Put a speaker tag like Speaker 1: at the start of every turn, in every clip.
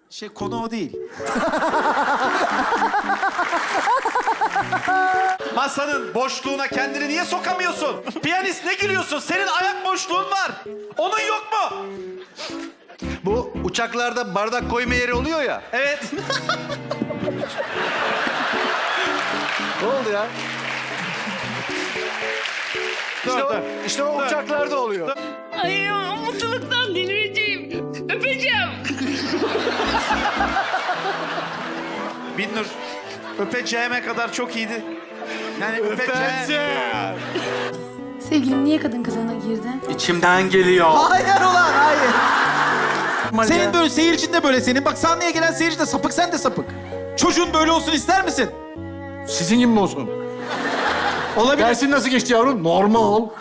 Speaker 1: Konu o değil. Masanın boşluğuna kendini niye sokamıyorsun? Piyanist ne gülüyorsun? Senin ayak boşluğun var. Onun yok mu?
Speaker 2: Bu uçaklarda bardak koyma yeri oluyor ya.
Speaker 1: Evet.
Speaker 2: Ne oldu ya? İşte o uçaklarda oluyor.
Speaker 3: Ay mutluluktan delireceğim. Öpeceğim.
Speaker 1: Binnur, öpeceğime kadar çok iyiydi. Yani öpeceğim.
Speaker 4: Sevgilin niye kadın kılığına girdin?
Speaker 5: İçimden geliyor.
Speaker 1: Hayır ulan, hayır. Senin böyle seyircin de böyle senin. Bak sahneye gelen seyirci de sapık, sen de sapık. Çocuğun böyle olsun ister misin?
Speaker 2: Sizin gibi mi olsun?
Speaker 1: Olabilir.
Speaker 2: Dersin nasıl geçti yavrum? Normal.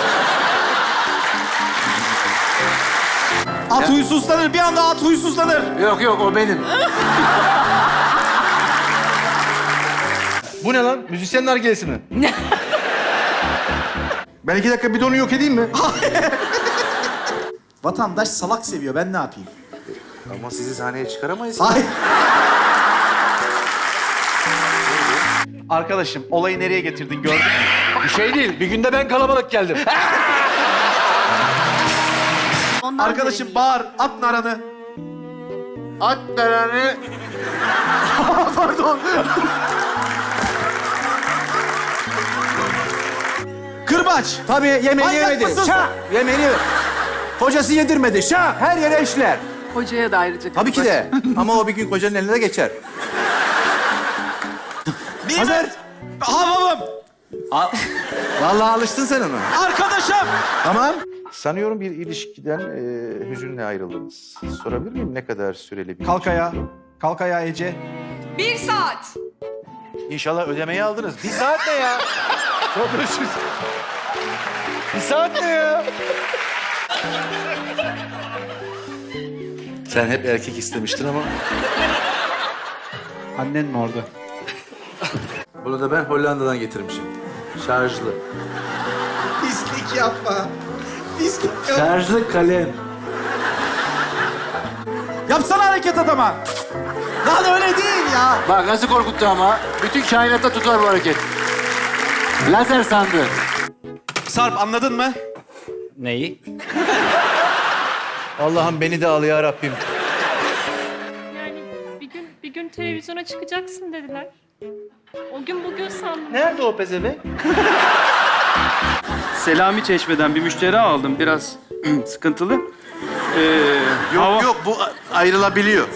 Speaker 1: At huysuzlanır, bir anda at huysuzlanır.
Speaker 2: Yok yok, o benim. Bu ne lan? Müzisyenler gelsin mi? Ben 2 dakika bidonu yok edeyim mi?
Speaker 1: Vatandaş salak seviyor, ben ne yapayım?
Speaker 2: Ama sizi sahneye çıkaramayız.
Speaker 1: Hayır. Arkadaşım, olayı nereye getirdin gördün mü?
Speaker 2: Bir şey değil. Bir günde ben kalabalık geldim.
Speaker 4: Ondan
Speaker 1: Arkadaşım bağır, at naranı.
Speaker 2: At naranı. Pardon.
Speaker 1: Kırbaç.
Speaker 6: Tabii yemeğini
Speaker 1: Manyak
Speaker 6: yemedi.
Speaker 1: mısın
Speaker 6: Şah! Yemeğini yemedi. Kocası yedirmedi. Şah! Her yere işler.
Speaker 7: Hocaya da ayrıca
Speaker 6: Tabii ki de. Ama o bir gün kocanın eline de geçer.
Speaker 1: Hazır. Havamım.
Speaker 6: Vallahi alıştın sen ona.
Speaker 1: Arkadaşım.
Speaker 6: Tamam.
Speaker 8: Sanıyorum bir ilişkiden hüzünle ayrıldınız. Sorabilir miyim ne kadar süreli bir
Speaker 1: Kalk ayağa. Kalk ayağa Ece.
Speaker 7: 1 saat.
Speaker 2: İnşallah ödemeyi aldınız. 1 saat ne ya? Çok özür dilerim. 1 saat ne ya?
Speaker 8: Sen hep erkek istemiştin ama.
Speaker 1: Annen mi orada?
Speaker 8: Bunu da ben Hollanda'dan getirmişim. Şarjlı.
Speaker 1: Pislik yapma. Pislik yapma.
Speaker 8: Şarjlı kalem.
Speaker 1: Yapsana hareket adama. Lan öyle değil ya.
Speaker 2: Bak nasıl korkuttu ama. Bütün kainatta tutar bu hareket. Lazer sandı.
Speaker 1: Sarp anladın mı?
Speaker 6: Neyi? Allah'ım beni de al ya Rabbim.
Speaker 3: Yani bir gün televizyona çıkacaksın dediler. O gün bugün sandım.
Speaker 2: Nerede o pezevenk?
Speaker 5: Selami Çeşme'den bir müşteri aldım. Biraz sıkıntılı.
Speaker 2: Yok yok, bu ayrılabiliyor.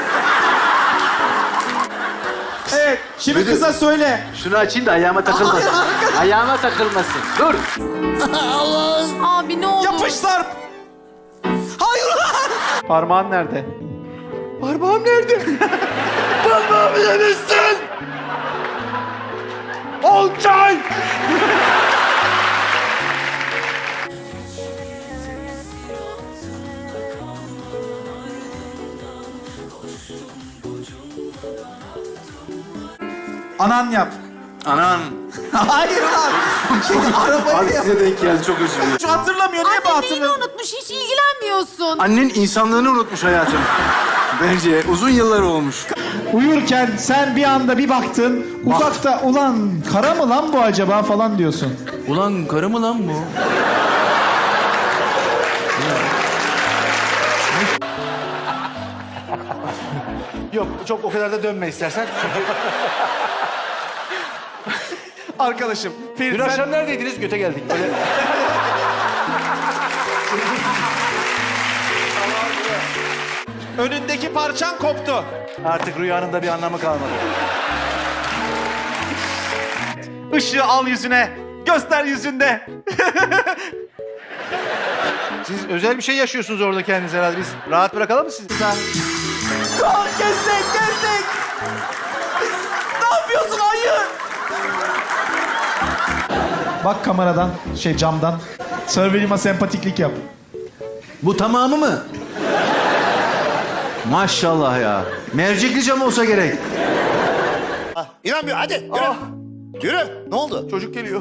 Speaker 1: Evet. Şimdi kıza söyle.
Speaker 2: Şunu açayım da ayağıma takılmasın. Ayağıma takılmasın. Dur.
Speaker 4: Abi ne olur.
Speaker 1: Yapış Sarp. Hayır ulan. Parmağın nerede?
Speaker 2: Parmağım nerede? Parmağımı yemişsin. Olcay.
Speaker 1: Anan yap.
Speaker 2: Anan.
Speaker 1: Hayır lan. Şimdi arabayı yap.
Speaker 2: Size denk geldi, çok özür dilerim.
Speaker 1: Şu hatırlamıyor. Niye bu
Speaker 4: Annem neyini
Speaker 1: hatırlamıyor?
Speaker 4: unutmuş, hiç ilgilenmiyorsun.
Speaker 2: Annen insanlığını unutmuş hayatım. Bence uzun yıllar olmuş.
Speaker 9: Uyurken sen bir anda bir baktın, uzakta ulan kara mı lan bu acaba falan diyorsun.
Speaker 2: Ulan karı mı lan bu? Yok, çok o kadar da dönme istersen.
Speaker 1: Arkadaşım.
Speaker 2: Dün
Speaker 1: Ferit
Speaker 2: akşam neredeydiniz? Göte geldik. Böyle...
Speaker 1: önündeki parçan koptu.
Speaker 2: Artık rüyanın da bir anlamı kalmadı.
Speaker 1: Işığı al yüzüne. Göster yüzünde.
Speaker 2: Siz özel bir şey yaşıyorsunuz orada kendiniz herhalde. Biz rahat bırakalım mı sizi?
Speaker 1: Kestik. Ne yapıyorsun? Hayır.
Speaker 9: Bak kameradan, camdan. Surveillance sempatiklik yap.
Speaker 2: Bu tamamı mı? Maşallah ya. Mercekli cam olsa gerek.
Speaker 6: İnanmıyor. Hadi yürü. Yürü. Ne oldu?
Speaker 2: Çocuk geliyor.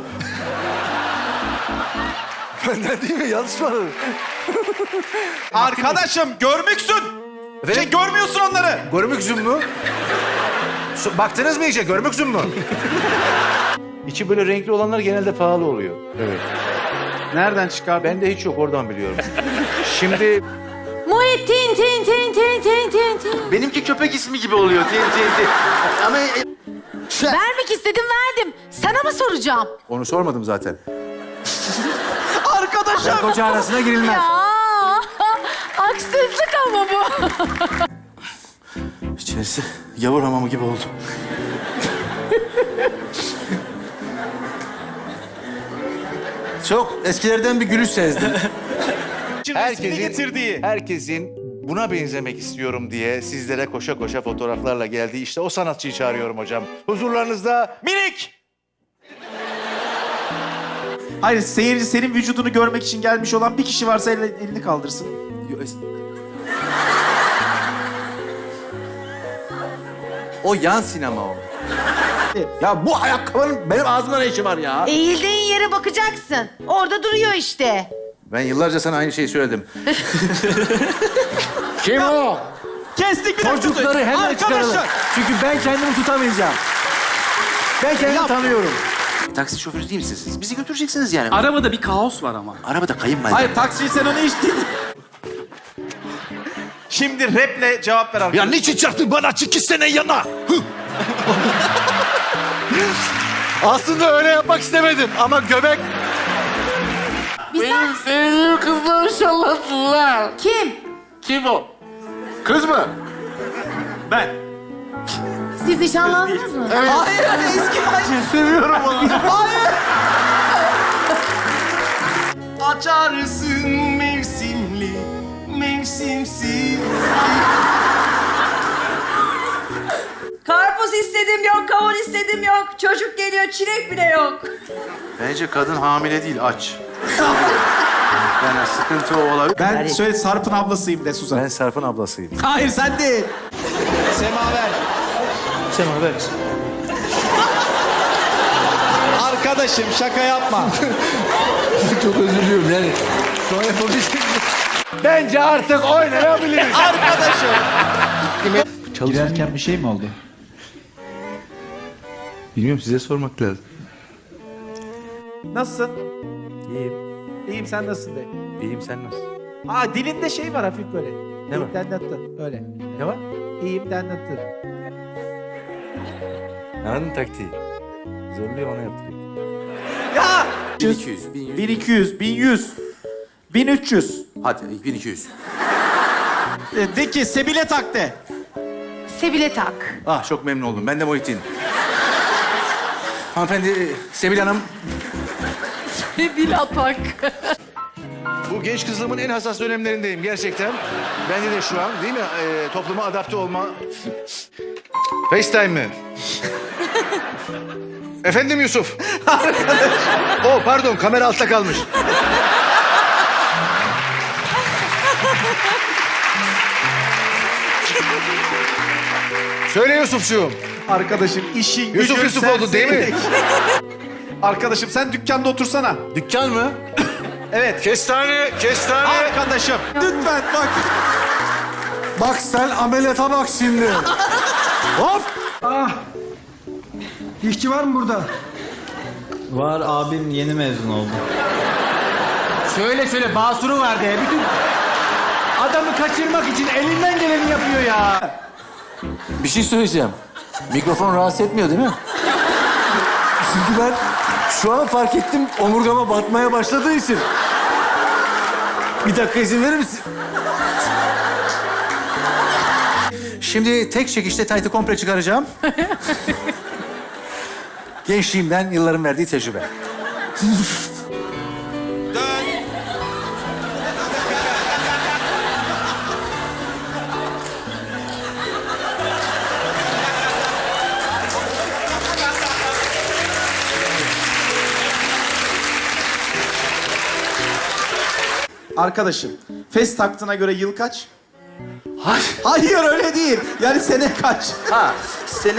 Speaker 2: Benden değil mi? Yanlış mı anladın?
Speaker 1: Arkadaşım görmüksün. Şey görmüyorsun onları.
Speaker 2: Görmük zümmü. Baktınız mı iyice? Görmük zümmü. İçi böyle renkli olanlar genelde pahalı oluyor. Evet.
Speaker 6: Nereden çıkardın?
Speaker 2: Bende hiç yok, oradan biliyorum. Şimdi
Speaker 4: Muhittin tin tin tin tin tin tin.
Speaker 8: Benimki köpek ismi gibi oluyor. Ama
Speaker 4: Vermek istedim verdim. Sana mı soracağım?
Speaker 2: onu sormadım zaten.
Speaker 1: Arkadaşım.
Speaker 6: Koca arasına girilmez.
Speaker 4: Ya haksızlık ama bu.
Speaker 8: içerisi yavur hamamı gibi oldu. Çok eskilerden bir gülüş sezdim.
Speaker 1: Resmini getirdiği.
Speaker 2: Herkesin buna benzemek istiyorum diye sizlere koşa koşa fotoğraflarla geldiği işte o sanatçıyı çağırıyorum hocam. Huzurlarınızda
Speaker 1: Minik. Hayır, seyirci senin vücudunu görmek için gelmiş olan bir kişi varsa elini kaldırsın.
Speaker 8: O yan sinema o. Ya bu ayakkabının benim ağzımda ne işi var ya?
Speaker 4: Eğildiğin yere bakacaksın. Orada duruyor işte.
Speaker 8: Ben yıllarca sana aynı şeyi söyledim. Kim o?
Speaker 1: Kestik bir dakika.
Speaker 6: Çocukları hemen çıkaralım.
Speaker 1: Arkadaşlar.
Speaker 6: Çünkü ben kendimi tutamayacağım. Ben kendimi tanıyorum.
Speaker 8: Taksi şoförü değil misiniz siz? Bizi götüreceksiniz yani.
Speaker 5: Arabada bir kaos var ama.
Speaker 8: Arabada kayınvalide.
Speaker 1: Hayır, taksiyi sen onu içtin. Şimdi raple cevap ver arkadaşlar.
Speaker 2: niçin çarptın bana 2 sene yana? Aslında öyle yapmak istemedim ama göbek...
Speaker 8: Benim sevdiğim kızları şalladılar.
Speaker 4: Kim?
Speaker 8: Kim o? Kız mı?
Speaker 1: Ben.
Speaker 4: Siz nişanlandınız mı?
Speaker 1: Hayır, eski hayır.
Speaker 8: Seviyorum onu.
Speaker 1: Hayır.
Speaker 6: Açarsın mevsimli, mevsimsiz.
Speaker 7: Karpuz istedim yok, kavun istedim yok. Çocuk geliyor, çilek bile yok.
Speaker 8: Bence kadın hamile değil, aç. Yani sıkıntı o olabilir.
Speaker 1: Ben söyle Sarp'ın ablasıyım de Suzan.
Speaker 2: Ben Sarp'ın ablasıyım.
Speaker 1: Hayır, sen değil.
Speaker 9: Semaver. Semaver. Arkadaşım şaka yapma.
Speaker 6: Çok özür diliyorum yani. Şu an yapabilsem.
Speaker 2: Bence artık oynayabiliriz.
Speaker 1: Arkadaşım.
Speaker 9: Girerken bir şey mi oldu?
Speaker 8: Bilmiyorum, size sormak lazım.
Speaker 1: Nasılsın?
Speaker 2: İyiyim.
Speaker 1: İyiyim, sen nasılsın de.
Speaker 2: İyiyim, sen nasılsın?
Speaker 1: Aa, dilinde şey var hafif böyle.
Speaker 2: Ne var?
Speaker 1: Dendattın, öyle.
Speaker 2: Ne var?
Speaker 1: İyiyim dendattın.
Speaker 2: Anladın taktiği. Zorluyor, ona yaptırayım.
Speaker 1: Ya!
Speaker 8: 1200, 1100.
Speaker 1: 1200, 1100, 1300.
Speaker 8: Hadi 1200.
Speaker 1: De ki Sebile tak de.
Speaker 4: Sebile tak.
Speaker 8: Ah, çok memnun oldum. Ben de Muhittin. Hanımefendi, Sebil Hanım.
Speaker 7: Bil atak.
Speaker 2: Bu genç kızlığımın en hassas dönemlerindeyim gerçekten. Bende de şu an değil mi? Topluma adapte olma... FaceTime mi? Efendim Yusuf. Oh pardon, kamera altta kalmış. Söyle Yusufcuğum.
Speaker 1: Arkadaşım işin
Speaker 2: Yusuf
Speaker 1: gücün
Speaker 2: Yusuf oldu değil mi?
Speaker 1: serserilik. Arkadaşım sen dükkanda otursana.
Speaker 2: Dükkan mı?
Speaker 1: Evet.
Speaker 2: Kestane, kestane.
Speaker 1: Arkadaşım lütfen bak.
Speaker 6: Bak sen ameliyata bak şimdi. Hop!
Speaker 9: İşçi var mı burada?
Speaker 10: Var, abim yeni mezun oldu.
Speaker 6: Söyle basuru var diye. Bütün adamı kaçırmak için elinden geleni yapıyor ya.
Speaker 8: Bir şey söyleyeceğim. Mikrofon rahatsız etmiyor değil mi?
Speaker 6: Çünkü ben şu an fark ettim omurgama batmaya başladığı için. Bir dakika izin verir misin?
Speaker 8: Şimdi tek çekişte taytı komple çıkaracağım. Gençliğimden yılların verdiği tecrübe.
Speaker 1: Arkadaşım fes taktığına göre yıl kaç?
Speaker 8: Hayır.
Speaker 1: Hayır öyle değil. Yani sene kaç?
Speaker 8: Ha, sene...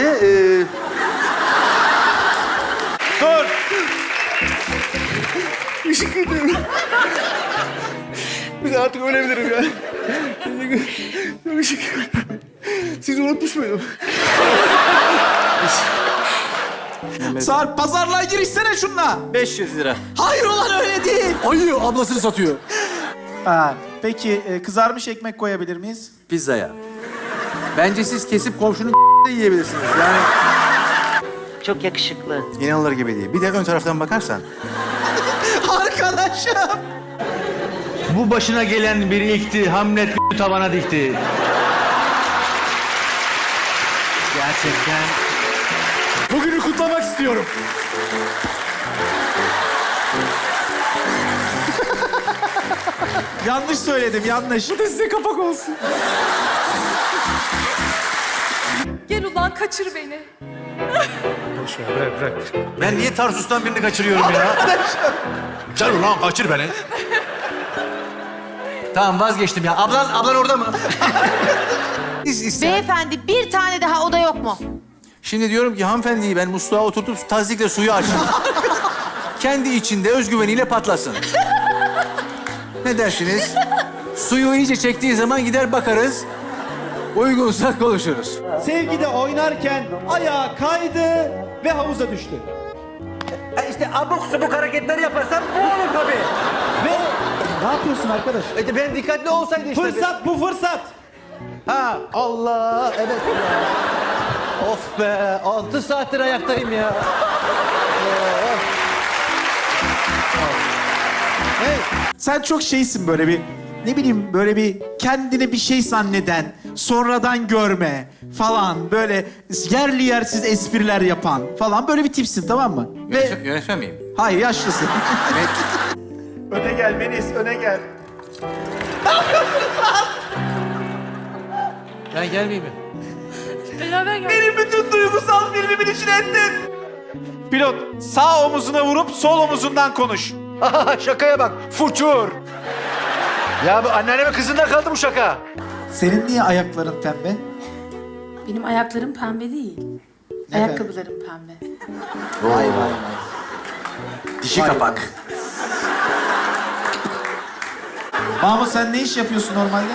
Speaker 1: Dur.
Speaker 2: Biz artık ölebilirim ya. Siz unutmuş muydum?
Speaker 1: Sarp pazarlığa girişsene şunla.
Speaker 6: 500 lira.
Speaker 1: Hayır ulan öyle değil.
Speaker 6: Ayı ablasını satıyor.
Speaker 1: Ha, peki kızarmış ekmek koyabilir miyiz?
Speaker 6: Pizzaya. Bence siz kesip komşunun de yiyebilirsiniz. Yani
Speaker 7: Çok yakışıklı.
Speaker 2: İnanılır gibi değil. Bir de ön taraftan bakarsan.
Speaker 1: Arkadaşım.
Speaker 10: Bu başına gelen bir ilkti. Hamlet tavana dikti. Gerçekten.
Speaker 6: bugünü kutlamak istiyorum.
Speaker 1: Yanlış söyledim, yanlış.
Speaker 6: Bu da size kapak olsun.
Speaker 3: Gel ulan kaçır beni.
Speaker 2: Ben niye Tarsus'tan birini kaçırıyorum ya? Sen ulan kaçır beni.
Speaker 6: Tamam vazgeçtim ya. Ablan orada mı?
Speaker 4: Beyefendi bir tane daha oda yok mu?
Speaker 6: Şimdi diyorum ki hanımefendiyi ben musluğa oturtup tazikle suyu açtım. Kendi içinde özgüveniyle patlasın. Ne dersiniz? Suyu iyice çektiği zaman gider bakarız. Uygunsa konuşuruz.
Speaker 9: Sevgide oynarken ayağı kaydı ve havuza düştü.
Speaker 6: İşte abuk subuk hareketler yaparsam bu olur tabii.
Speaker 9: Ve ne yapıyorsun arkadaş?
Speaker 6: Ben dikkatli olsaydı işte.
Speaker 9: Fırsat bu fırsat.
Speaker 6: Ha Allah evet ya. Of be 6 saattir ayaktayım ya.
Speaker 1: Sen çok şeysin böyle bir, ne bileyim böyle bir kendini bir şey zanneden, sonradan görme falan, böyle yerli yersiz espriler yapan falan böyle bir tipsin, tamam mı? Ve
Speaker 6: Yönetmen miyim?
Speaker 1: hayır, yaşlısın. Öne gel Melis, öne gel.
Speaker 6: Ben gelmeyeyim mi?
Speaker 3: Beraber gel.
Speaker 1: Benim bütün duygusal filmimin içine ettin. Pilot, sağ omuzuna vurup sol omuzundan konuş.
Speaker 2: Şakaya bak. Fuçur. Ya bu anneannemin kızında kaldı bu şaka.
Speaker 1: Senin niye ayakların pembe?
Speaker 4: Benim ayaklarım pembe değil.
Speaker 1: Ne
Speaker 4: Ayakkabılarım pembe.
Speaker 1: Vay vay vay.
Speaker 6: Dişi kapak.
Speaker 1: Mahmut sen ne iş yapıyorsun normalde?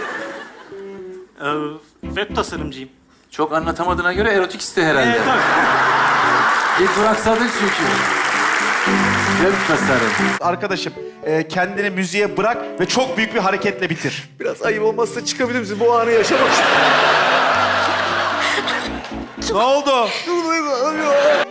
Speaker 5: Web tasarımcıyım.
Speaker 6: Çok anlatamadığına göre erotik iste herhalde. İlk duraksadın çünkü. Web tasarım.
Speaker 1: Arkadaşım kendini müziğe bırak ve çok büyük bir hareketle bitir.
Speaker 2: Biraz ayıp olmazsa çıkabilir misin? Bu anı yaşamak istiyorum.
Speaker 1: Ne oldu?
Speaker 2: Duygulanıyorum.